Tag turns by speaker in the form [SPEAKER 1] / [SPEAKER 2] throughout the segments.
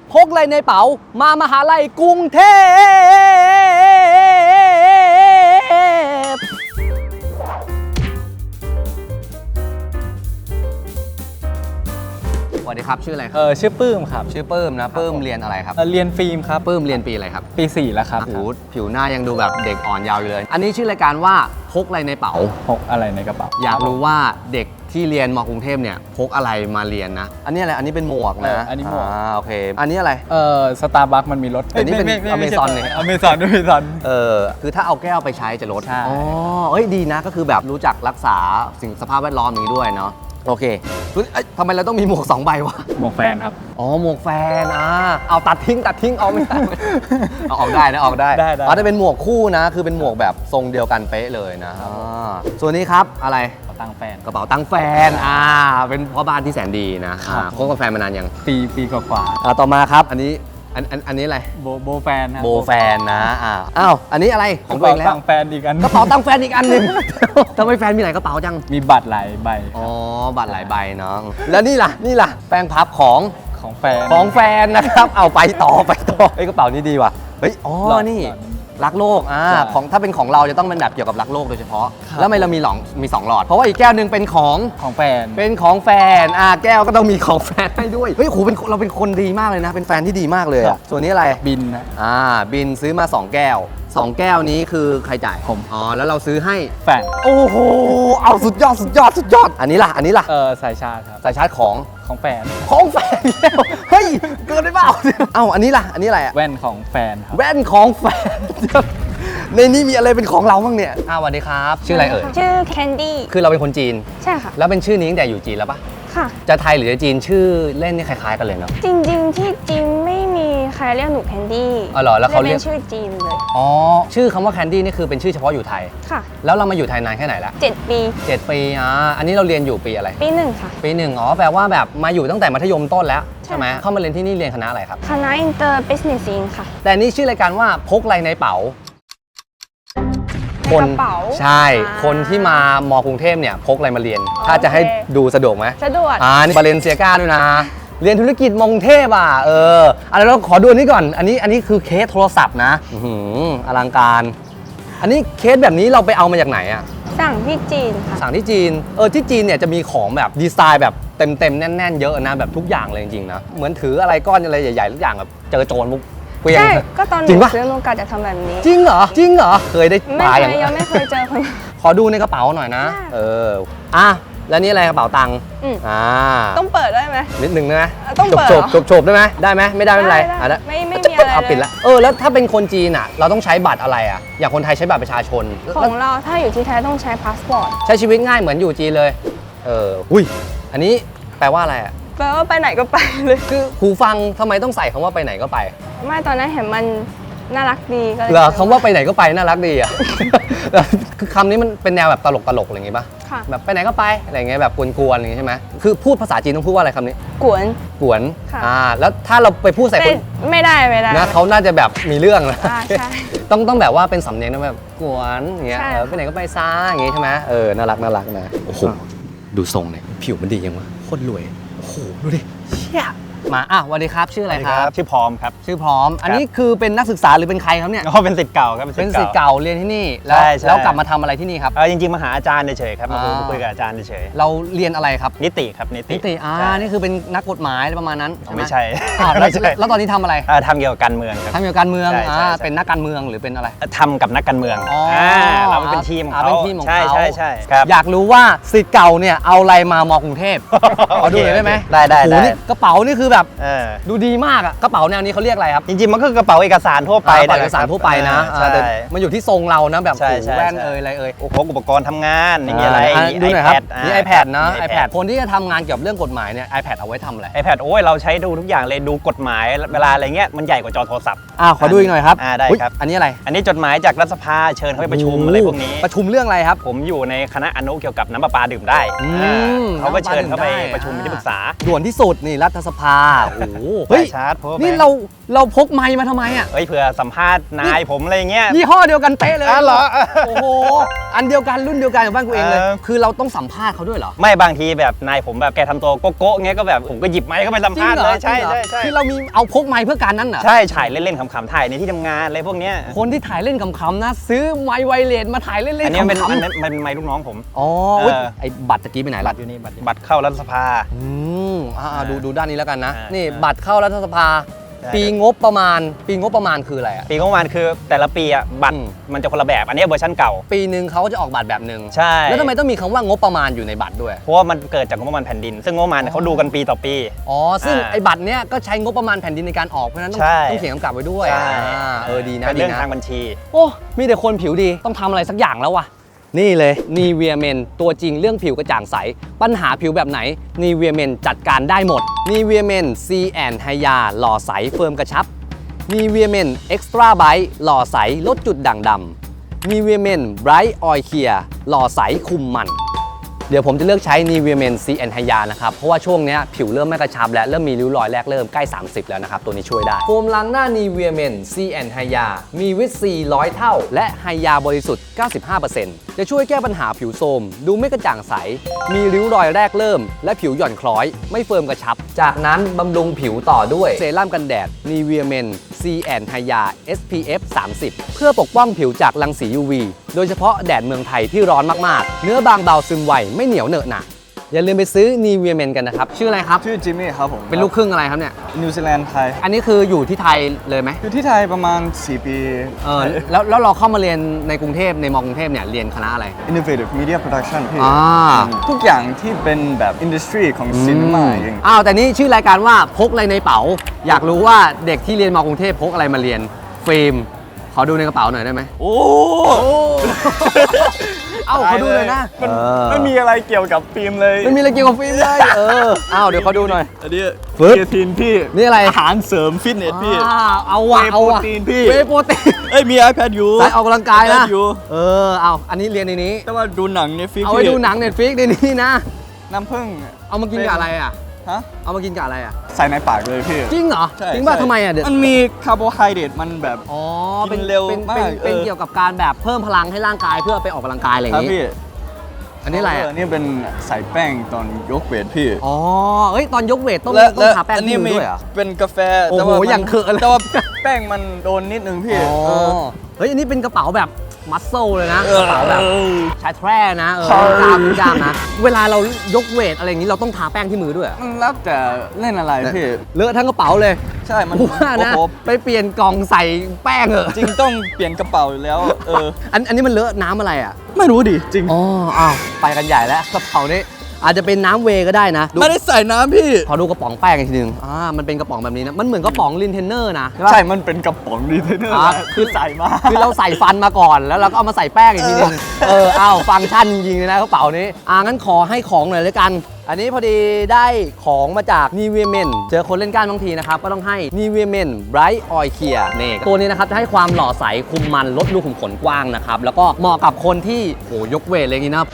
[SPEAKER 1] พกอะไรในเป๋ามามหาลัยกรุงเทพสวัสดีครับชื่ออะไรครับ
[SPEAKER 2] ชื่อปื้มครับ
[SPEAKER 1] ชื่อปื้มนะปื้มเรียนอะไรครับ
[SPEAKER 2] เรียนฟิล์มครับ
[SPEAKER 1] ปื้มเรียนปีอะไรครับ
[SPEAKER 2] ปี 4แล้วครับ
[SPEAKER 1] ผิวหน้ายังดูแบบเด็กอ่อนยาวอยู่เลยอันนี้ชื่อรายการว่าพกอะไรในเป๋า
[SPEAKER 2] พกอะไรในกระเป๋า
[SPEAKER 1] อยากรู้ว่าเด็กที่เรียนมกรุงเทพเนี่ยพกอะไรมาเรียนนะอันนี้อะไรอันนี้เป็นหมวกนะ
[SPEAKER 2] อันนี้หมวก
[SPEAKER 1] โอเคอันนี้อะไร
[SPEAKER 2] สตาร์บัคมันมีรถ
[SPEAKER 1] อันนี้เป็นอเมซอนเนี่ย
[SPEAKER 2] อเมซอน
[SPEAKER 1] คือถ้าเอาแก้วไปใช้จะลด
[SPEAKER 2] ใช่
[SPEAKER 1] เอ้ยดีนะก็คือแบบรู้จักรักษาสิ่งสภาพแวดล้อมนี้ด้วยเนาะโอเคทำไมเราต้องมีหมวก2ใบวะ
[SPEAKER 2] หมวกแฟนครับ
[SPEAKER 1] หมวกแฟนเอาตัดทิ้งเอาไม่ได้เอาออกได้นะออกได้จะเป็นหมวกคู่นะคือเป็นหมวกแบบทรงเดียวกันเป๊ะเลยนะส่วนนี้ครับอะไร
[SPEAKER 2] กระเป๋าตังค์แฟน
[SPEAKER 1] เป็นพ่อบ้านที่แสนดีนะคบกับแฟนมานานยัง
[SPEAKER 2] ปีกว่า
[SPEAKER 1] ต่อมาครับอันนี้อะไร
[SPEAKER 2] โบแฟน
[SPEAKER 1] โบแฟนนะอันนี้อะไรของตัวเองแล้ว
[SPEAKER 2] ตังค์แฟนอีกอัน
[SPEAKER 1] กระเป๋าตังค์แฟนอีกอันนึงทำไมแฟนมีหลายกระเป๋าจัง
[SPEAKER 2] มีบัตรหลายใบ
[SPEAKER 1] บัตรหลายใบเนาะแล้วนี่ล่ะแป้งพับของแฟนนะครับเอาไปต่อกระเป๋านี้ดีว่ะเฮ้ยนี่รักโลกของถ้าเป็นของเราจะต้องเป็นแบบเกี่ยวกับรักโลกโดยเฉพาะแล้วทำไมเรามี2หลอดเพราะว่าอีกแก้วนึงเป็นของ
[SPEAKER 2] แฟน
[SPEAKER 1] แก้วก็ต้องมีของแฟนให้ด้วยเฮ้ยโหเราเป็นคนดีมากเลยนะเป็นแฟนที่ดีมากเลยส่วนนี้อะไร
[SPEAKER 2] บินนะ
[SPEAKER 1] บินซื้อมา2แก้ว2แก้วนี้คือใครจ่าย
[SPEAKER 2] ผม
[SPEAKER 1] แล้วเราซื้อให้
[SPEAKER 2] แฟน
[SPEAKER 1] โอ้โหเอาสุดยอดอันนี้ล่ะ
[SPEAKER 2] สายชาร์จครับ
[SPEAKER 1] สายชาร์จของ
[SPEAKER 2] แฟน
[SPEAKER 1] แล้วเฮ้ยเกินได้เปล่าอันนี้ล่ะอะไร
[SPEAKER 2] แว่นของแฟนครับ
[SPEAKER 1] แว่นของแฟนในนี้มีอะไรเป็นของเราบ้างเนี่ยสวัสดีครับชื่ออะไร
[SPEAKER 3] ชื่อแคนดี้
[SPEAKER 1] คือเราเป็นคนจีน
[SPEAKER 3] ใช่ค่ะ
[SPEAKER 1] แล้วเป็นชื่อนี้ตั้งแต่อยู่จีนแล้วปะ
[SPEAKER 3] ค่ะ
[SPEAKER 1] จะไทยหรือจะจีนชื่อเล่นนี่คล้ายๆกันเลยเนาะ
[SPEAKER 3] จริงๆที่จีนไม่มีใครเรียกหนูแคนดี้
[SPEAKER 1] เหรอแล้วเขาเรียก
[SPEAKER 3] ชื่อจีนเลย
[SPEAKER 1] ชื่อคำว่าแคนดี้นี่คือเป็นชื่อเฉพาะอยู่ไทย
[SPEAKER 3] ค่ะ
[SPEAKER 1] แล้วเรามาอยู่ไทยนานแค่ไหนละ
[SPEAKER 3] 7 ปี
[SPEAKER 1] 7 ปีอันนี้เราเรียนอยู่ปีอะไร
[SPEAKER 3] ปี 1ค่ะ
[SPEAKER 1] ปี1แปลว่าแบบมาอยู่ตั้งแต่มัธยมต้นแล้วใช่ไหมเข้ามาเรียนที่นี่เรียนคณะอะไรครับ
[SPEAKER 3] คณะ Inter Business ค่ะ
[SPEAKER 1] แต่นี่ชื่อรายการว่าพกอะไรในเป๋าใช่ คนที่มามกรุงเทพเนี่ยพกอะไรมาเรียนถ้าจะให้ดูสะดวกไหม
[SPEAKER 3] สะดวก
[SPEAKER 1] นี่บาเลนเซียก้าด้วยนะเรียนธุรกิจมกรุงเทพเราขอดูนี่ก่อนอันนี้คือเคสโทรศัพท์นะอลังการอันนี้เคสแบบนี้เราไปเอามาจากไหน
[SPEAKER 3] สั่งที่จีนค่ะ
[SPEAKER 1] สั่งที่จีนที่จีนเนี่ยจะมีของแบบดีไซน์แบบเต็มแน่นๆเยอะนะแบบทุกอย่างเลยจริงๆนะเหมือนถืออะไรก้อนอะไรใหญ่ๆทุกอย่างแบบเจอโจรมุก
[SPEAKER 3] ใช่ก็ตอนหนูซื้อโอกาสจะทำแบบนี้
[SPEAKER 1] จริงเหรอเคยได้ปลาอย่าง
[SPEAKER 3] ยังไม่เคยเจอคน
[SPEAKER 1] ขอดูในกระเป๋าหน่อยนะแล้วนี่อะไรกระเป๋าตังค์
[SPEAKER 3] ต้องเปิดได้ไหม
[SPEAKER 1] นิดนึงนะ
[SPEAKER 3] ต้องเปิด
[SPEAKER 1] โฉบได้ไหมได้ไหมไม่ได้ไม่เป็นไร
[SPEAKER 3] ไม่มีอะไร
[SPEAKER 1] ปิดละแล้วถ้าเป็นคนจีนเราต้องใช้บัตรอะไรอย่างคนไทยใช้บัตรประชาชน
[SPEAKER 3] ของเราถ้าอยู่ที่ไทยต้องใช้พาสปอร์ต
[SPEAKER 1] ใช้ชีวิตง่ายเหมือนอยู่จีนเลยอุ้ยอันนี้แปลว่าอะไร
[SPEAKER 3] แปลว่าไปไหนก็ไปเลย
[SPEAKER 1] คือหูฟังทำไมต้องใส่คำว่าไปไหนก็ไป
[SPEAKER 3] ไม่ตอนนั้นเห็นมันน่ารักดีก็เลย
[SPEAKER 1] คำว่าไปไหนก็ไปน่ารักดีคือคำนี้มันเป็นแนวแบบตลกอะไรอย่างงี้ป่ะแบบไปไหนก็ไปอะไรอย่างเงี้ยแบบกวนๆอย่างงี้ใช่ไหมคือพูดภาษาจีนต้องพูดว่าอะไรคำนี้
[SPEAKER 3] กวน
[SPEAKER 1] แล้วถ้าเราไปพูดใส่คน
[SPEAKER 3] ไม่ได้
[SPEAKER 1] นะเขาน่าจะแบบมีเรื่องนะต้องแบบว่าเป็นสำเนียงนะแบบกวนอย่างเงี้ยไปไหนก็ไปซ่าอย่างงี้ใช่ไหมน่ารักนะโอ้โหดูทรงเนี่ยผิวมันดียังวะโคตรรวยโอ้โหดูดิเชี่ยมาสวัสดีครับชื่ออะไรครับ
[SPEAKER 2] ชื่อพร้อมครับ
[SPEAKER 1] ชื่อพร้อมอันนี้คือเป็นนักศึกษาหรือเป็นใครครับเนี่ย
[SPEAKER 2] เป็นศิษย์เก่าครับ
[SPEAKER 1] เป็นศิษย์เก่าเรียนที่นี่แล้วกลับมาทำอะไรที่นี่ครับ
[SPEAKER 2] จริงๆมาหาอาจารย์เฉยๆครับมาคุยกับอาจารย์เฉย
[SPEAKER 1] ๆเราเรียนอะไรครับ
[SPEAKER 2] นิติครับนิติ
[SPEAKER 1] นี่คือเป็นนักกฎหมายประมาณนั้น
[SPEAKER 2] ไม่ใช่
[SPEAKER 1] แล้วตอนนี้ทำอะไร
[SPEAKER 2] ทำเกี่ยวกับการเมืองครับ
[SPEAKER 1] ทำเกี่ยวกับการเมืองเป็นนักการเมืองหรือเป็นอะไร
[SPEAKER 2] ทำกับนักการเมืองเราเป็นทีมของเขา
[SPEAKER 1] ใ
[SPEAKER 2] ช่
[SPEAKER 1] อยากรู้ว่าศิษย์เก่าเนี่ยเอาอะไรมามอกรุงเทพขอดูหน่อยได้ไหม
[SPEAKER 2] ได้
[SPEAKER 1] กระเป๋านี่คือแบบดูดีมากกระเป๋าแนวนี้เขาเรียกอะไรครับ
[SPEAKER 2] จริงๆมันก็กระเป๋าเอกสารทั่วไป
[SPEAKER 1] เอกสารทั่วไปนะแต่มันอยู่ที่ทรงเรานะแบบหูแว่นอะไร
[SPEAKER 2] พกอุปกรณ์ทำงานอย่างเงี้ยอะไร
[SPEAKER 1] ดูหน่อยครับนี่ iPad นะ iPad คนที่จะทำงานเกี่ยวกับเรื่องกฎหมายเนี่ย iPad เอาไว้ทำอะไร
[SPEAKER 2] iPad โอ้ยเราใช้ดูทุกอย่างเลยดูกฎหมายเวลาอะไรเงี้ยมันใหญ่กว่าจอโทรศัพท์
[SPEAKER 1] ขอดูอีกหน่อยครับ
[SPEAKER 2] ได้ครับ
[SPEAKER 1] อันนี้อะไร
[SPEAKER 2] อันนี้จดหมายจากรัฐสภาเชิญเขาไปประชุมอะไรพวกนี้
[SPEAKER 1] ประชุมเรื่องอะไรครับ
[SPEAKER 2] ผมอยู่ในคณะอนุเกี่ยวกับน้ำประปาดื่มได้เขาก็เชิญเขาไปประชุมที่ปรึกษา
[SPEAKER 1] ด่วนที่สุดนี่รัฐสภาโอ้โห
[SPEAKER 2] เฮ้ยชาร์จ power bank
[SPEAKER 1] นี่เราพกไมค์มาทำไมอ่ะ
[SPEAKER 2] เฮ้ยเผื่อสัมภาษณ์นายผมอะไรอย่างเงี้ย
[SPEAKER 1] ยี่ห้อเดียวกันเป๊ะเลย
[SPEAKER 2] เหรอ
[SPEAKER 1] โอ้โหอันเดียวกันรุ่นเดียวกันกับบ้านกูเองเลย
[SPEAKER 2] เออ
[SPEAKER 1] คือเราต้องสัมภาษณ์เขาด้วยเหรอ
[SPEAKER 2] ไม่บางทีแบบนายผมแบบแกทำตัวโก๊ะๆเงี้ยก็แบบผมก็หยิบไมค์เข้าไปสัมภาษณ์เลยใช่
[SPEAKER 1] จริงเหรอ
[SPEAKER 2] ใช่
[SPEAKER 1] คือเรามีเอาพกไมค์เพื่อการนั้นเหรอ
[SPEAKER 2] ใช่ถ่ายเล่นๆขำๆถ่ายในที่ทำงานอะไรพวกเนี้ย
[SPEAKER 1] คนที่ถ่ายเล่นขำๆนะ ซื้อไมค์ไวเลสมาถ่ายเล่นๆ
[SPEAKER 2] อันนี้มันเป็น
[SPEAKER 1] ขำ
[SPEAKER 2] มันเป็นไมค์ลูกน้องผม
[SPEAKER 1] ๆอ๋อ
[SPEAKER 2] เออ
[SPEAKER 1] เว้ยไอ้บัตรตะกี้ไปไหน
[SPEAKER 2] บั
[SPEAKER 1] ละ
[SPEAKER 2] ตรอยู่นี่บัตรเข้ารัฐสภา
[SPEAKER 1] ดูด้านนี้แล้วกันนะ
[SPEAKER 2] อ่านี่
[SPEAKER 1] นี่บัตรเข้ารัฐสภา
[SPEAKER 2] ใช่
[SPEAKER 1] ปีงบประมาณคืออะไรอ่ะ
[SPEAKER 2] ปีงบประมาณคือแต่ละปีอ่ะบัตร
[SPEAKER 1] อืม
[SPEAKER 2] มันจะคนละแบบอันนี้เวอร์ชันเก่า
[SPEAKER 1] ปีหนึ่งเขาก็จะออกบัตรแบบหนึ่ง
[SPEAKER 2] ใช่
[SPEAKER 1] แล้วทำไมต้องมีคำว่างบประมาณอยู่ในบัตรด้วย
[SPEAKER 2] เพราะว่ามันเกิดจากงบประมาณแผ่นดิน ซึ่งงบประมาณเนี่ยเขาดูกันปีต่อปี
[SPEAKER 1] อ๋อ ซึ่ง
[SPEAKER 2] อ่า
[SPEAKER 1] ไอ้บัตรเนี้ยก็ใช้งบประมาณแผ่นดินในการออก เพราะฉะนั้นต้อง
[SPEAKER 2] ใช่
[SPEAKER 1] เขียนกำกับไว้ด้วย
[SPEAKER 2] ใช่
[SPEAKER 1] ดีนะ
[SPEAKER 2] เป็น
[SPEAKER 1] ดี
[SPEAKER 2] เรื่อง
[SPEAKER 1] นะ
[SPEAKER 2] ทางบัญชี
[SPEAKER 1] โอ้ มีแต่คนผิวดี ต้องทำอะไรสักอย่างแล้ววะ นี่เลยนีเวียเมนตัวจริงเรื่องผิวกระจ่างใส ปัญหาผิวแบบไหนนีเวียเมนจัดการได้หมดนีเวียเมนซีแอนไฮยาหล่อใสเฟิร์มกระชับนีเวียเมนเอ็กซ์ตร้าไบท์หล่อใสลดจุดด่างดำนีเวียเมนไบรท์ออยเคลียหล่อใสคุมมัน เดี๋ยวผมจะเลือกใช้ Nivea Men C and Hya นะครับ เพราะว่าช่วงนี้ผิวเริ่มไม่กระชับและเริ่มมีริ้วรอยแรกเริ่มใกล้ 30 แล้วนะครับ ตัวนี้ช่วยได้ โฟมล้างหน้า Nivea Men C and Hya มีวิตซี100 เท่า และไฮยาบริสุทธิ์ 95% จะช่วยแก้ปัญหาผิวโทรมดูไม่กระจ่างใส มีริ้วรอยแรกเริ่ม และผิวหย่อนคล้อย ไม่เฟิร์มกระชับ จากนั้นบำรุงผิวต่อด้วยเซรั่มกันแดด Nivea Men C and Hya SPF 30 เพื่อปกป้องผิวจากรังสี UV โดยเฉพาะแดดเมืองไทยที่ร้อนมากๆ เนื้อบางเบาซึมไวไม่เหนียวเหนอะหนะอย่าลืมไปซื้อ Nivea Men กันนะครับ ชื่ออะไรครับ
[SPEAKER 4] ชื่อจิมมี่ครับผม
[SPEAKER 1] เป็นลูกครึ่งอะไรครับเนี่ย
[SPEAKER 4] นิวซีแลนด์ไทย
[SPEAKER 1] อันนี้คืออยู่ที่ไทยเลยไหม
[SPEAKER 4] อยู่ที่ไทยประมาณ 4 ปี
[SPEAKER 1] แล้วเราเข้ามาเรียนในกรุงเทพในมอกรุงเทพเนี่ยเรียนคณะอะไร
[SPEAKER 4] Innovative Media Production พี่
[SPEAKER 1] อ่า
[SPEAKER 4] ทุกอย่างที่เป็นแบบ industry ของซินีมาอย่าง
[SPEAKER 1] อ้าวแต่นี่ชื่อรายการว่าพกอะไรในเป๋า อยากรู้ว่าเด็กที่เรียนมอกรุงเทพพกอะไรมาเรียนฟิล์มขอดูในกระเป๋าหน่อยได้ไหม
[SPEAKER 4] โอ้
[SPEAKER 1] เอ้าขอดูเลยนะ
[SPEAKER 4] มันไม่มีอะไรเกี่ยวกับฟิล์มเลย
[SPEAKER 1] ไม่มีอะไรเกี่ยวกับฟิล์มเลยอ้าวเดี๋ยวขอดูหน่อย
[SPEAKER 4] อันนี้
[SPEAKER 1] ฟึ๊บ
[SPEAKER 4] เคทีนพี่
[SPEAKER 1] นี่อะไร
[SPEAKER 4] อาหารเสริมฟิตเนสพี่
[SPEAKER 1] เอาว่ะเอาว่ะ
[SPEAKER 4] เวย์โปรตีนพี่
[SPEAKER 1] เวย์โปรตีน
[SPEAKER 4] เอ้ยมี iPad อยู่
[SPEAKER 1] สายออกกำลังกายนะ
[SPEAKER 4] iPad อยู่
[SPEAKER 1] เอาอันนี้เรียนในนี้
[SPEAKER 4] แต่ว่าดูหนังในฟิก
[SPEAKER 1] เอาไว้ดูหนังเน็ตฟิกในนี้นะ
[SPEAKER 4] น้ำผึ้ง
[SPEAKER 1] เอามากินกับอะไรอ่ะ
[SPEAKER 4] ฮะ
[SPEAKER 1] เอามากินกับอะไรอ่ะ
[SPEAKER 4] ใส่ในปากเลยพี่
[SPEAKER 1] จริงเหรอ
[SPEAKER 4] ใช่
[SPEAKER 1] จริงป่ะ
[SPEAKER 4] ใช่
[SPEAKER 1] ทำไมอ่ะเดี๋ยว
[SPEAKER 4] มันมีคาร์โบไฮเดรตมันแบบ
[SPEAKER 1] อ๋อ
[SPEAKER 4] กินเร็วมาก
[SPEAKER 1] เป็นเกี่ยวกับการแบบเพิ่มพลังให้ร่างกายเพื่อไปออกกำลังกายอะไรอ
[SPEAKER 4] ค
[SPEAKER 1] ย่า
[SPEAKER 4] รับ
[SPEAKER 1] งนี้
[SPEAKER 4] พี่
[SPEAKER 1] อันนี้อะไรอ่ะ
[SPEAKER 4] นี่เป็นใส่แป้งตอนยกเวทพี่
[SPEAKER 1] อ๋อเฮ้ยตอนยกเวทต้อง
[SPEAKER 4] และ
[SPEAKER 1] ต้องทาแป้ง
[SPEAKER 4] อัน
[SPEAKER 1] ที่
[SPEAKER 4] นี้
[SPEAKER 1] มือ
[SPEAKER 4] มี
[SPEAKER 1] ด้วยเหรอ
[SPEAKER 4] เป็นกาแฟ
[SPEAKER 1] โอ้โห
[SPEAKER 4] แต่ว่ามัน
[SPEAKER 1] อย่างเขอะเลย
[SPEAKER 4] แต่ว่าแป้งมันโดนนิดนึงพี่
[SPEAKER 1] อ๋อ
[SPEAKER 4] เออ
[SPEAKER 1] เฮ้ยอันนี้เป็นกระเป๋าแบบมัสเซลเลยนะ
[SPEAKER 4] เออก
[SPEAKER 1] ระเป๋าแบบชายแทร่นะ
[SPEAKER 4] ใช่
[SPEAKER 1] กล้ามกล้ามนะ เวลาเรายกเวทอะไรอย่างนี้เราต้องทาแป้งที่มือด้วยเหรอ
[SPEAKER 4] มันแล้วแต่เล่นอะไรพี่
[SPEAKER 1] เลอะทั้งกระเป๋าเลย
[SPEAKER 4] ใช่มัน
[SPEAKER 1] กูว่านะ
[SPEAKER 4] โอ้โห
[SPEAKER 1] ไปเปลี่ยนกล่องใส่แป้งเหอะ
[SPEAKER 4] จริงต้องเปลี่ยนกระเป๋าอยู่แล้ว
[SPEAKER 1] อันนี้มันเลอะน้ำอะไรอ่ะ
[SPEAKER 4] ไม่รู้ดิจริง
[SPEAKER 1] อ๋ออ้าวไปกันใหญ่แล้วกระเป๋านี้อาจจะเป็นน้ำเวย์ก็ได้นะดู
[SPEAKER 4] ไม่ได้ใส่น้ำพี่
[SPEAKER 1] ขอดูกระป๋องแป้งอีกทีนึงมันเป็นกระป๋องแบบนี้นะมันเหมือนกระป๋องลินเทนเนอร์นะใช่ปะ
[SPEAKER 4] ใช่มันเป็นกระป๋องดีเทนเนอร์ คือใส่มา
[SPEAKER 1] คือเราใส่ฟันมาก่อนแล้วเราก็เอามาใส่แป้งอีกทีนึงฟังก์ชันจริงๆเลยนะกระเป๋านี้งั้นขอให้ของหน่อยเลยกัน อันนี้พอดีได้ของมาจาก Nivea Men เจอคนเล่นก้านบางทีนะครับก็ต้องให้ Nivea Men Bright Oil Clear นี่ตัวนี้นะครับจะให้ความหล่อใสคุมมันลดรูขุมขนกว้างนะครับแล้วก็เหมาะกับคนที่ยกเวทอะไรอย่างนี้นะ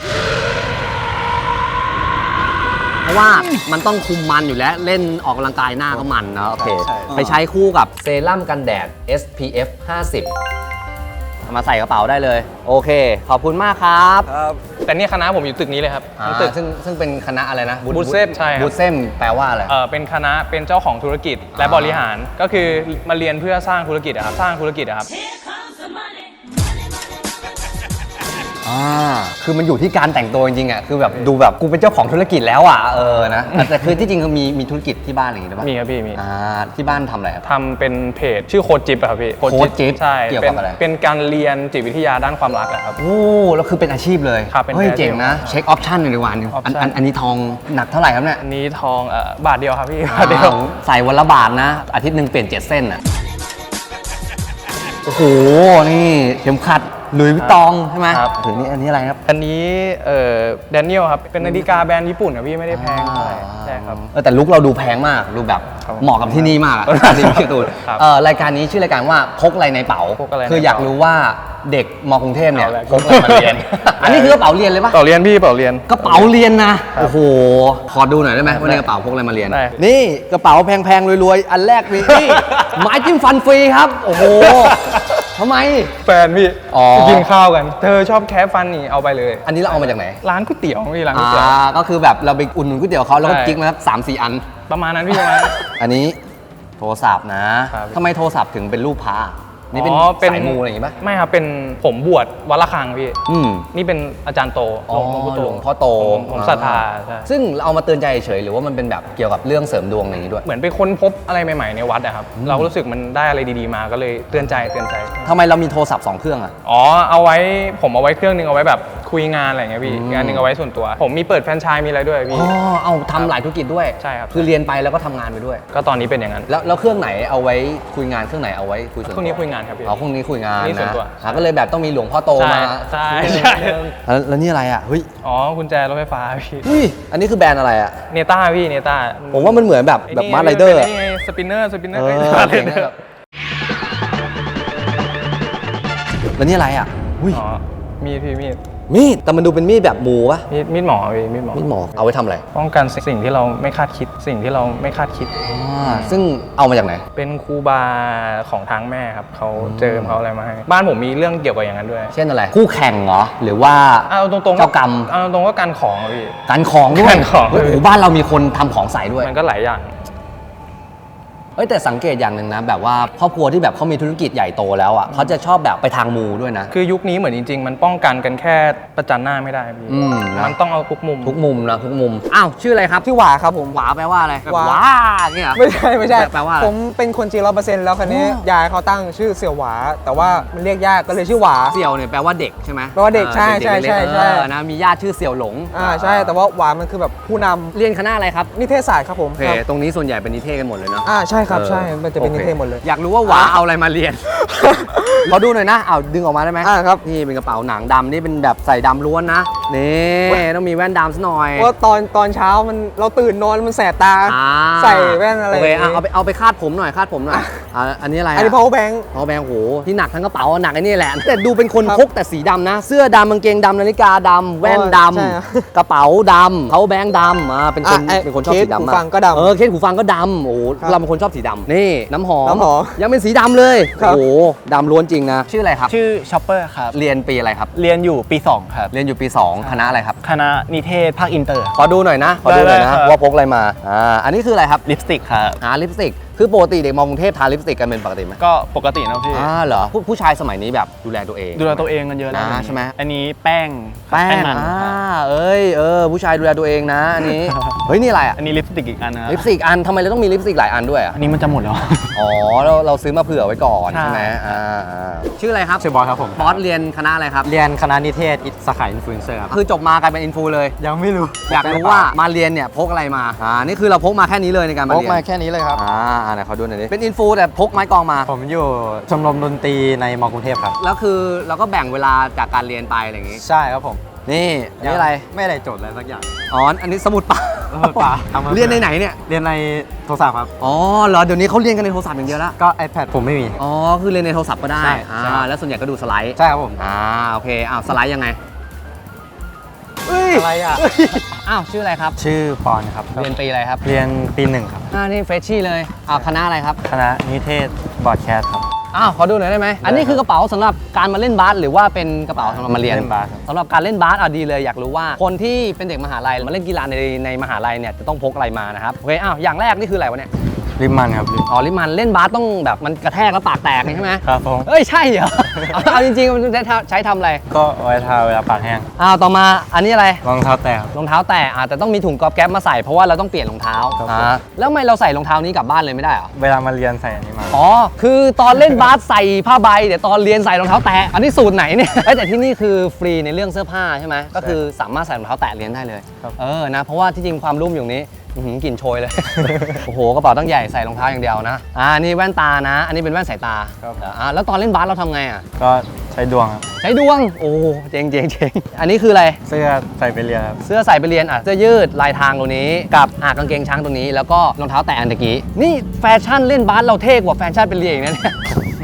[SPEAKER 1] เพราะว่ามันต้องคุมมันอยู่แล้วเล่นออกกำลังกายหน้าก็มันนะโอเค
[SPEAKER 4] ใช่
[SPEAKER 1] ไปใช้คู่กับเซรั่มกันแดด SPF 50เอามาใส่กระเป๋าได้เลย โอเค ขอบคุณมากครับ
[SPEAKER 4] ครับ
[SPEAKER 5] แต่นี่คณะผมอยู่ตึกนี้เลยครับทั้งตึก
[SPEAKER 1] ซึ่งเป็นคณะอะไรนะ
[SPEAKER 5] บูธเซมใช่ครับ
[SPEAKER 1] บูธเซมแปลว่าอะไร
[SPEAKER 5] เป็นคณะเป็นเจ้าของธุรกิจและบริหารก็คือมาเรียนเพื่อสร้างธุรกิจอะครับสร้างธุรกิจอะครับ
[SPEAKER 1] คือมันอยู่ที่การแต่งตัวจริงๆอ่ะคือแบบดูแบบกูเป็นเจ้าของธุรกิจแล้วอ่ะนะแต่คือที่จริงคือมีธุรกิจที่บ้านอะไรอย่างงี้ด้วยป่ะ
[SPEAKER 5] มีครับพี่มี
[SPEAKER 1] ที่บ้านทำอะไรครับ
[SPEAKER 5] ทำเป็นเพจชื่อโค้ดจิ๊บอะครับพี่
[SPEAKER 1] โค้ดจิ๊บ
[SPEAKER 5] ใช่
[SPEAKER 1] เกี่ยวกับอะไร
[SPEAKER 5] เป็นการเรียนจิตวิทยาด้านความรักอะครับ
[SPEAKER 1] โอ้แล้วคือเป็นอาชีพเลย
[SPEAKER 5] ครับเป็น
[SPEAKER 1] เฮ้ย
[SPEAKER 5] อาชีพ
[SPEAKER 1] เจ๋งนะเช็คออปชั่นหน่อยดีกว่านึง
[SPEAKER 5] option
[SPEAKER 1] อันนี้ทองหนักเท่าไหร่ครับเนี่ย
[SPEAKER 5] อันนี้ทองบาทเดียวครับพี่บาทเดียว
[SPEAKER 1] ใส่วันละบาทนะ อาทิตย์หนึ่งเปลี่ยน7 เส้นอ่ะโอ้โหนี่เข็มขัดหลุยส์วิตตองใช่ไหม
[SPEAKER 5] ครับ
[SPEAKER 1] ถึงนี่อันนี้อะไรครับ
[SPEAKER 5] อันนี้แดเนียลครับเป็นนาฬิกาแบรนด์ญี่ปุ่นอะพี่ไม่ได้แพงเท่าไหร่ใช่ครับ
[SPEAKER 1] แต่ลุคเราดูแพงมากดูแบบ
[SPEAKER 5] ครับ
[SPEAKER 1] เหมาะกับที่นี่มากอะ จริงๆพี่ตูน
[SPEAKER 5] ครับ
[SPEAKER 1] รายการนี้ชื่อรายการว่าพกอะไรในเป๋า
[SPEAKER 5] พกอะไรใน
[SPEAKER 1] คืออยาก
[SPEAKER 5] เป๋า
[SPEAKER 1] รู้ว่าเด็กมอกรุงเทพเนี่ย
[SPEAKER 2] เอาละ
[SPEAKER 1] พกอะไรมาเรียน อันนี้คือกระเป๋าเรียนเลยปะ
[SPEAKER 5] เป๋าเรียนพี่เป๋าเรียน
[SPEAKER 1] กระเป๋าเรียนนะ โอ้โห ขอดูหน่อยได้ไหมว่าในกระเป๋าพกอะไรมาเรียน
[SPEAKER 5] ได้
[SPEAKER 1] นี่กระเป๋าแพงๆรวยๆ อันแรกมีนี่ ไม้จิ้มฟันฟรีครับ โอ้โหทำไม
[SPEAKER 5] แฟนพี่
[SPEAKER 1] อ๋อ
[SPEAKER 5] ไปกินข้าวกัน เธอชอบแคะฟันนี่เอาไปเลย
[SPEAKER 1] อันนี้เราเอามาจากไหน
[SPEAKER 5] ร้านก๋วยเตี๋ยวพี่ร้านก๋วยเตี๋ยว
[SPEAKER 1] ก็คือแบบเราไปอุ่นหนุนก๋วยเตี๋ยวเขาแล้วก็
[SPEAKER 5] ใช่
[SPEAKER 1] กิ๊กมาครับ3-4 อัน
[SPEAKER 5] ประมาณนั้นพี่ประมาณนั้น
[SPEAKER 1] อันนี้โทรศัพท์นะครับ ทำไมโทรศัพท์ถึงเป็นรูปพระนี่เป็น
[SPEAKER 5] อ๋อ
[SPEAKER 1] สายมูอะไรอย่างงี้ปะ
[SPEAKER 5] ไม่ครับเป็นผมบวชวัดละคังพี่
[SPEAKER 1] อืม
[SPEAKER 5] นี่เป็นอาจารย์โต
[SPEAKER 1] อ๋อ
[SPEAKER 5] หลวงพ่อโต
[SPEAKER 1] หลวงพ่อโต
[SPEAKER 5] ผมศรัทธาใช่
[SPEAKER 1] ซึ่งเราเอามาเตือนใจเฉยๆหรือว่ามันเป็นแบบเกี่ยวกับเรื่องเสริมดวงอย่างนี้ด้วย
[SPEAKER 5] เหมือนไปค้นพบอะไรใหม่ๆในวัดอะครับ เรารู้สึกมันได้อะไรดีๆมาก็เลยเตือนใจ
[SPEAKER 1] ทำไมเรามีโทรศัพท์2 เครื่องอะ
[SPEAKER 5] อ๋อเอาไว้ผมเอาไว้เครื่องนึงเอาไว้แบบคุยงานอะไรอย่างเงี้ยพี่งานหนึงเอาไว้ส่วนตัว ผมมีเปิดแฟรนไชส์มีอะไรด้วย
[SPEAKER 1] อ๋
[SPEAKER 5] พี่
[SPEAKER 1] อเอาทำหลายธุรกิจด้วย
[SPEAKER 5] ใช่ครับ
[SPEAKER 1] คือเรียนไปแล้วก็ทำงานไปด้วย
[SPEAKER 5] ก็ตอนนี้เป็นอย่างนั้น
[SPEAKER 1] แล้วเครื่องไหนเอาไว้คุยงานเครื่องไหนเอาไว้คุยส่วนตัว
[SPEAKER 5] ช่วงนี้คุยงานครับพี่
[SPEAKER 1] อ๋อพรุ่งนี้คุยงาน
[SPEAKER 5] นี่ส่วน
[SPEAKER 1] นะ
[SPEAKER 5] ตัว
[SPEAKER 1] ก็เลยแบบต้องมีหลวงพ่อโต
[SPEAKER 5] ใช่
[SPEAKER 1] มา
[SPEAKER 5] ใช่
[SPEAKER 1] แล้วนี่อะไรอ่ะเฮ้ย
[SPEAKER 5] อ๋อกุญแจรถไฟฟ้าพี่
[SPEAKER 1] อุ้ยอันนี้คือแบรนด์อะไรอ่ะ
[SPEAKER 5] เนต้าพี่เนต้า
[SPEAKER 1] ผมว่ามันเหมือนแบบมาร์ไรเดอร์
[SPEAKER 5] นี่ไงสปินเนอร์
[SPEAKER 1] เออ
[SPEAKER 5] อะไร
[SPEAKER 1] เจ๋ง
[SPEAKER 5] เน
[SPEAKER 1] อะแบบแล้วนี่อะไรอ่ะอุ้ย
[SPEAKER 5] อ๋อมีดพี่มีด
[SPEAKER 1] มีดแต่มันดูเป็นมีดแบบหมูปะ
[SPEAKER 5] มีดหมอพี่มีดหมอ
[SPEAKER 1] มีดหมอเอาไว้ทำอะไร
[SPEAKER 5] ป้องกันสิ่งที่เราไม่คาดคิดสิ่งที่เราไม่คาดคิด
[SPEAKER 1] ซึ่งเอามาจากไหน
[SPEAKER 5] เป็นครูบาของทางแม่ครับเขาเจิมเขาอะไรมาให้บ้านผมมีเรื่องเกี่ยวกับอย่างนั้นด้วย
[SPEAKER 1] เช่นอะไร คู่แข่งเหรอ หรือว่า
[SPEAKER 5] เอาตรงๆ
[SPEAKER 1] เจ้ากรรม
[SPEAKER 5] เอาตรงๆก็การของอะพี่
[SPEAKER 1] การของด้วย
[SPEAKER 5] การของ
[SPEAKER 1] โอ้โหบ้านเรามีคนทำของใส่ด้วย
[SPEAKER 5] มันก็หลายอย่าง
[SPEAKER 1] เอ้ยแต่สังเกตอย่างหนึ่งนะแบบว่าครอบครัวที่แบบเขามีธุรกิจใหญ่โตแล้วอ่ะเขาจะชอบแบบไปทางมูด้วยนะ
[SPEAKER 5] คือยุคนี้เหมือนจริง ๆ มันป้องกันกันแค่ประจันหน้าไม่ได้พี่
[SPEAKER 1] นะ
[SPEAKER 5] มันต้องเอาทุกมุม
[SPEAKER 1] ทุกมุมนะทุกมุมอ้าวชื่ออะไรครับ
[SPEAKER 6] ชื่อหวาครับผม
[SPEAKER 1] หวาแปลว่าอะไร
[SPEAKER 6] หวา
[SPEAKER 1] หวาเนี่ยเหรอ
[SPEAKER 6] ไม่ใช่ไม่ใช่
[SPEAKER 1] แปลว่าอะไร
[SPEAKER 6] ผมเป็นคนจีน100%แล้วคันนี้
[SPEAKER 1] อ๋อย
[SPEAKER 6] ายเขาตั้งชื่อเสี่ยวหวา แต่ว่ามันเรียกยากก็เลยชื่อหวา
[SPEAKER 1] เสี่ยวเนี่ยแปลว่าเด็กใช่ไหม
[SPEAKER 6] แปลว่าเด็กใช่
[SPEAKER 1] ด็กๆ
[SPEAKER 6] ใช่
[SPEAKER 1] เล็กๆ
[SPEAKER 6] ใช่
[SPEAKER 1] นะมีญาติชื่อเสี่ยวหลง
[SPEAKER 6] ใช่แต่ว่าหวามันคือแบบผู้นำ
[SPEAKER 1] เรียนคณะอะไรครับ
[SPEAKER 6] นิเทศศาสตร์ครับผม
[SPEAKER 1] โอเค
[SPEAKER 6] ครับ
[SPEAKER 1] ตรงนี้ส่วนใหญ่เป็นนิเทศกันหมดเลยเนาะ
[SPEAKER 6] ใช่ครับใช่
[SPEAKER 1] ออ
[SPEAKER 6] มันจะเป็น
[SPEAKER 1] โอ
[SPEAKER 6] นิ
[SPEAKER 1] ค
[SPEAKER 6] เทศหมดเลย
[SPEAKER 1] อยากรู้ว่าหวาเอาอะไรมาเรียน ขอดูหน่อยนะเอาดึงออกมาได้ไหม
[SPEAKER 6] ครับ
[SPEAKER 1] นี่เป็นกระเป๋าหนังดำนี่เป็นแบบใส่ดำล้วนนะนี่ต้องมีแว่นดำซะหน่อย
[SPEAKER 6] เพราะตอนเช้ามันเราตื่นนอนมันแสบตา
[SPEAKER 1] อ่า
[SPEAKER 6] ใส่แว่นอะไร
[SPEAKER 1] โอเค
[SPEAKER 6] อย่างงี้
[SPEAKER 1] เอาไปคาดผมหน่อยคาดผมหน่อยอันนี้อะไร
[SPEAKER 6] อันนี้ power bank
[SPEAKER 1] พอแบงโหที่หนักทั้งกระเป๋าหนักไอ้นี่แหละแต่ดูเป็นคน
[SPEAKER 6] ครับ
[SPEAKER 1] พกแต่สีดำนะ เสื้อดำกางเกงดำนาฬิกาดำแว่นด
[SPEAKER 6] ใช่ครับ
[SPEAKER 1] ำกระเป๋าดำเขาแบงดำเป็นคน
[SPEAKER 6] อ่ะ
[SPEAKER 1] เป็นคนชอบสี
[SPEAKER 6] เคส
[SPEAKER 1] ดำ
[SPEAKER 6] หู
[SPEAKER 1] มาก
[SPEAKER 6] ฟังก็ดำ
[SPEAKER 1] เคสหูฟังก็ดำโอ้โห
[SPEAKER 6] ครับ
[SPEAKER 1] เราเป็นคนชอบสีดำนี่น้ำหอม
[SPEAKER 6] น้ำหอม
[SPEAKER 1] ยังเป็นสีดำเลย
[SPEAKER 6] ครับ
[SPEAKER 1] โอ้โหดำล้วนจริงนะชื่ออะไรครับ
[SPEAKER 2] ชื่อช็อปเปอร์ครับ
[SPEAKER 1] เรียนปีอะไรครับ
[SPEAKER 2] เรียนอยู่ปี 2 ครับ
[SPEAKER 1] เรียนอยู่ปี 2 คณะอะไรครับ
[SPEAKER 2] คณะนิเทศภาคอินเตอร์
[SPEAKER 1] ขอดูหน่อยนะ ขอดูหน่อย
[SPEAKER 2] ได้
[SPEAKER 1] นะครับ ว่าพกอะไรมา อันนี้คืออะไรครับ
[SPEAKER 2] ลิปสติกครับ
[SPEAKER 1] ลิปสติก คือปกติเด็กมอกรุงเทพทาลิปสติกกันเป็นปกติไหม
[SPEAKER 2] ก็ปกตินะพี่
[SPEAKER 1] เหรอ ผู้ชายสมัยนี้แบบดูแลตัวเอง
[SPEAKER 2] ดูแลตัวเองกันเยอะแล้ว
[SPEAKER 1] ใช่ไหม
[SPEAKER 2] อันนี้แป้ง
[SPEAKER 1] แป้ง
[SPEAKER 2] มันครับ
[SPEAKER 1] ผู้ชายดูแลตัวเองนะอันนี้ เฮ้ย นี่อะไรอ่ะ
[SPEAKER 2] อันนี้ลิปสติกอีกอันนะครับ
[SPEAKER 1] ลิปสติกอันทำไมเราต้องมีลิปสติกหลายอันด้วยอ่ะ
[SPEAKER 2] อันนี้มันจะหมดแล้ว
[SPEAKER 1] อ๋อ เราซื้อมาเผื่อไว้ก่อน
[SPEAKER 2] ใช่
[SPEAKER 1] ใช่ไหมชื่ออะไรครับ
[SPEAKER 7] ชื่อบอสครับผม
[SPEAKER 1] บอสเรียนคณะอะไรครับ
[SPEAKER 7] เรียนคณะนิเทศสาขาอินฟลูเอนเซอร์ครับ
[SPEAKER 1] คือจบมากลายเป็นอินฟูเลย
[SPEAKER 7] ยังไม่รู้
[SPEAKER 1] อยากรู้ว่ามาเรียนเนี่ยพกอะไรมา นี่คือเราพกมาแค่นี้เลยในการมา
[SPEAKER 7] พก
[SPEAKER 1] เรียน
[SPEAKER 7] มาแค่นี้เลยครับ
[SPEAKER 1] ไหนขอดูหน่อยดิ เป็นอินฟูแต่พกไม้กลองมา
[SPEAKER 7] ผมอยู่ชมรมดนตรีในมอกรุงเทพครับ
[SPEAKER 1] แล้วคือเราก็แบ่งเวลาจากการเรียนไปอะไรอย่างงี้
[SPEAKER 7] ใช่ครับผม
[SPEAKER 1] นี่นี่อะไร
[SPEAKER 7] ไม่ได้โจทย์อะไรสักอย่าง
[SPEAKER 1] อ๋อ อันนี้สมุดเปล่า
[SPEAKER 7] สมุดเปล่าทำมา
[SPEAKER 1] เรียนในไหนเนี่ย
[SPEAKER 7] เรียนในโทรศัพท์ครับ
[SPEAKER 1] อ๋อเหรอ เดี๋ยวนี้เขาเรียนกันในโทรศัพท์อย่างเดียวแล้ว
[SPEAKER 7] ก็ iPad ผมไม่มี
[SPEAKER 1] อ๋อ คือเรียนในโทรศัพท์ก็ได้
[SPEAKER 7] ใช่ใช่
[SPEAKER 1] แล้วส่วนใหญ่ก็ดูสไลด์
[SPEAKER 7] ใช่ครับผม
[SPEAKER 1] โอเค สไลด์ยังไงเฮ้ย
[SPEAKER 7] อะไรอ่ะ
[SPEAKER 1] ชื่ออะไรครับ
[SPEAKER 7] ชื่อปอนครับ
[SPEAKER 1] เรียนปีอะไรครับ
[SPEAKER 7] เรียนปี 1 ครับ
[SPEAKER 1] นี่เฟรชชี่เลยคณะอะไรครับ
[SPEAKER 7] คณะนิเทศบอร์ดแคสครับ
[SPEAKER 1] ขอดูหน่อยได้ไหม อันนี้คือกระเป๋าสำหรับการมาเล่นบาสหรือว่าเป็นกระเป๋าสำหรับมาเรียน
[SPEAKER 7] เล่นบาสครับ
[SPEAKER 1] สำหรับการเล่นบาสดีเลยอยากรู้ว่าคนที่เป็นเด็กมหาลัยมาเล่นกีฬาในมหาลัยเนี่ยจะต้องพกอะไรมานะครับ โอเค อย่างแรกนี่คืออะไรวะเนี่ย
[SPEAKER 7] ริมมันครับ
[SPEAKER 1] ลิมันเล่นบาสต้องแบบมันกระแทกแล้วปากแตกใช่ไหม
[SPEAKER 7] ครับผม
[SPEAKER 1] เอ้ยใช่เหรอ เอาจริงๆมันใช้ทำอะไร
[SPEAKER 7] ก็เอาไว้ทาเวลาปากแห้ง
[SPEAKER 1] ต่อมาอันนี้อะไร
[SPEAKER 7] รองเท้าแตะครับ
[SPEAKER 1] รองเท้าแตะแต่ต้องมีถุงกอบแก๊บมาใส่เพราะว่าเราต้องเปลี่ยนรองเท้า
[SPEAKER 7] ครับผม
[SPEAKER 1] แล้วทำไมเราใส่รองเท้านี้กลับบ้านเลยไม่ได้เหรอ
[SPEAKER 7] เวลามาเรียนใส่อันนี้มา
[SPEAKER 1] คือตอนเล่นบาสใส่ผ้าใบแต่ตอนเรียนใส่รองเท้าแตะอันนี้สูตรไหนเนี่ย แต่ที่นี่คือฟรีในเรื่องเสื้อผ้าใช่ไหมก็คือสามารถใส่รองเท้าแตะเรียนได้เลย
[SPEAKER 7] ครับ
[SPEAKER 1] นะเพราะว่าที่จริงความรุ่มอยู่นี้กลิ่นโชยเลย โอ้โหกระเป๋าตั้งใหญ่ใส่รองเท้าอย่างเดียวนะนี่แว่นตานะ อันนี้เป็นแว่นสายตาแล้วตอนเล่นบาสเราทำไงอ่ะ
[SPEAKER 7] ก็ใช้ดวงครับ
[SPEAKER 1] ใช้ดวงโอ้เจ๋งอันนี้คืออะไร
[SPEAKER 7] เสื้อใส่ไปเรียนครับ
[SPEAKER 1] เสื้อใส่ไปเรียนเสื้อยืดลายทางตัวนี้กับกางเกงช้างตัวนี้แล้วก็รองเท้าแตะอันตะกี้นี่แฟชั่นเล่นบาสเราเท่กว่าแฟชั่นไปเรียนอีกนะเนี่ย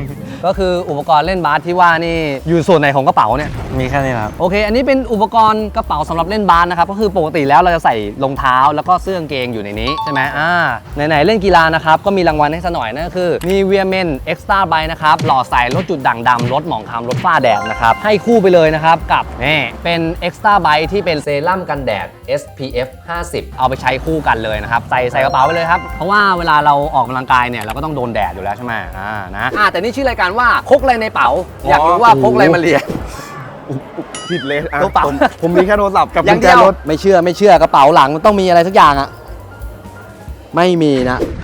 [SPEAKER 1] ก็คืออุปกรณ์เล่นบาสที่ว่านี่อยู่ส่วนไหนของกระเป๋าเนี่ย
[SPEAKER 7] มีแค่นี้นะครับ
[SPEAKER 1] โอเค อันนี้เป็นอุปกรณ์กระเป๋าสำหรับเล่นบาสนะครับ ก็คือปกติแล้วเราจะใส่รองเท้าแล้วก็เสื้อกางเกงอยู่ในนี้ใช่ไหมไหนๆเล่นกีฬานะครับ ก็มีรางวัลให้ซะหน่อยนั่นก็คือ Nivea Men Extra Bright นะครับ หล่อใสลดจุดด่างดำลดหมองคล้ำลดฝ้าแดดนะครับ ให้คู่ไปเลยนะครับ กับนี่เป็น Extra Bright ที่เป็นเซรั่มกันแดด SPF 50 เอาไปใช้คู่กันเลยนะครับ ใส่กระเป๋าไปเลยครับ เพราะว่าเวลาเราออกกำลังกายเนี่ยเราก็ต้องโดนแดดอยู่แล้วใช่ไหมแต่นี่ชื่อรายการว่าพกอะไรในเป๋า อยากรู้ว่าพกอะไรมาเรียน
[SPEAKER 4] ผิดเลยอ่ะ
[SPEAKER 1] กระเป๋า
[SPEAKER 4] ผมมีแค่โทรศัพท์กับ
[SPEAKER 1] อ
[SPEAKER 4] กุ
[SPEAKER 1] ย่าง
[SPEAKER 4] ญแจ
[SPEAKER 1] เดียว
[SPEAKER 4] รถ
[SPEAKER 1] ไม่เชื่อกระเป๋าหลังมันต้องมีอะไรสักอย่างอะไม่มีนะ